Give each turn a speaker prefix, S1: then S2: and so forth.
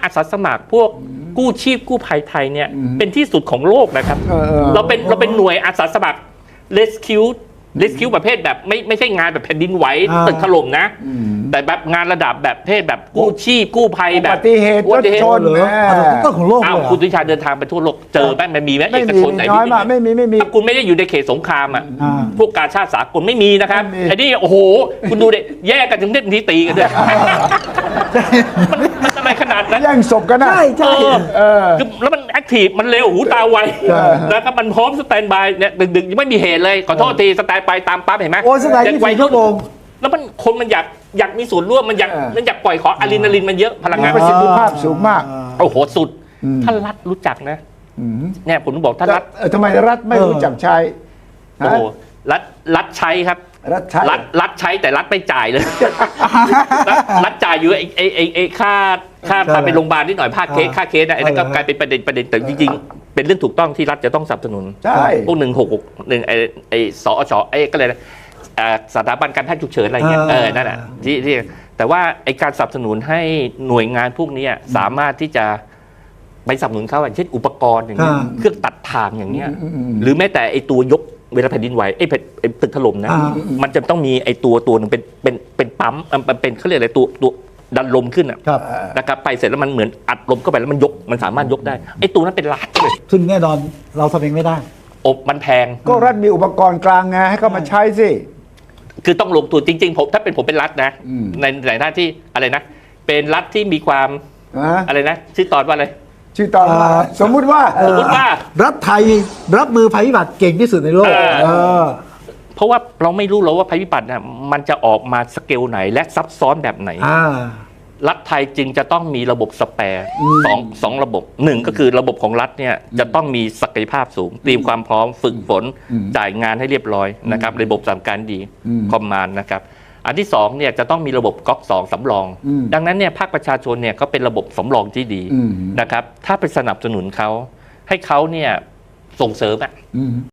S1: อาสาสมัครพวกกู้ชีพกู้ภัยไทยเนี่ยเป็นที่สุดของโลกนะครับเราเป็นหน่วยอาสาสมัคร rescue ประเภทแบบไม่ใช่งานแบบแผ่นดินไหวตึกถล่มนะแต่แบบงานระดับแบบเพศแบบกู้ชีพกู้ภัยแบบ
S2: อุบัติเหตุรถชน
S3: ต้นของโลกเลย
S1: คุณวิชาเดินทางไปทั่วโลกเจอไหมมันมีไหมเอกชนไหน
S2: น้อยมากไม่มี
S1: ถ้าคุณไม่ได้อยู่ในเขตสงครามอ่ะพวกการชาติสากลไม่มีนะครับไอ้นี่โอ้โหคุณดูเด็แยกกันถึงเด็ดทีตีกันด้วยมันอะไรขนาดนั้น
S2: แย่งศพกันนะ
S3: ใช่
S1: แล้วมันแอคทีฟมันเร็วหูตาไวนะครับมันพร้อมสแตนบายเนี่ยดึกๆยังไม่มีเหตุเลยขอโทษทีสแตนบายตามปั๊บเห็นไหม
S3: โอ้สไตล์24 ชั่วโมง
S1: แล้วมันคนมันอยากมีส่วนร่วมมันอยากปล่อยขออะดรีนาลินมันเยอะพลังงาน
S2: ประสิทธิภาพสูงมาก
S1: โอ้โหสุดท่านรัฐรู้จักนะเนี่ยผมบอกท่านรัฐ
S2: ทำไมรัฐไม่รู้จักใช้
S1: โอ้รัฐใช้ครับรัฐใช้แต่รัฐไม่จ่ายเลยรัฐจ่ายอยู่ไอ้ค่าพาไปโรงพยาบาลนิดหน่อยค่าเคสนะไอ้นั่นก็กลายเป็นประเด็นแต่จริงๆเป็นเรื่องถูกต้องที่รัฐจะต้องสนับสนุน
S2: ใช่
S1: พวก166ไอ้สอชก็เลยสถาบันการแพทย์ฉุกเฉินอะไรเงี้ยนั่นแหละที่แต่ว่าไอ้การสนับสนุนให้หน่วยงานพวกนี้สามารถที่จะไปสนับสนุนเขาอย่างเช่นอุปกรณ์อย่างเงี้ยเครื่องตัดทางอย่างเงี้ยหรือแม้แต่ไอ้ตัวยกเวลาแผ่นดินไหวไอ้ตึกถล่มนะมันจะต้องมีไอ้ตัวหนึ่งเป็นปั๊มมันเป็นเขาเรียกอะไรตัวดันลมขึ้นนะครับไปเสร็จแล้วมันเหมือนอัดลมเข้าไปแล้วมันสามารถยกได้ไอ้ตัวนั้นเป็นล้านเลย
S3: ซึ่งแน่นอนเราทำเองไม่ได้
S1: มันแพง
S2: ก็รัฐมีอุปกรณ์กลางไงให้เขามาใช้สิ
S1: คือต้องลงทุนจริงๆผมถ้าเป็นผมเป็นรัฐนะในหน้าที่อะไรนะเป็นรัฐที่มีความอะไรนะชื่อตอนว่าอะไร
S2: ชื่อตอนสมมุติว่า
S3: รัฐไทยรับมือภัยพิบัติเก่งที่สุดในโลก
S1: เพราะว่าเราไม่รู้หรอกว่าภัยพิบัติน่ะมันจะออกมาสเกลไหนและซับซ้อนแบบไหนรัฐไทยจึงจะต้องมีระบบสแปร์สองระบบหนึ่งก็คือระบบของรัฐเนี่ยจะต้องมีศักยภาพสูงเตรียมความพร้อมฝึกฝนจ่ายงานให้เรียบร้อยนะครับระบบสั่งการดีคอมมานด์นะครับอันที่สองเนี่ยจะต้องมีระบบก๊อก2สำรองดังนั้นเนี่ยภาคประชาชนเนี่ยก็เป็นระบบสำรองที่ดีนะครับถ้าไปสนับสนุนเขาให้เขาเนี่ยส่งเสริม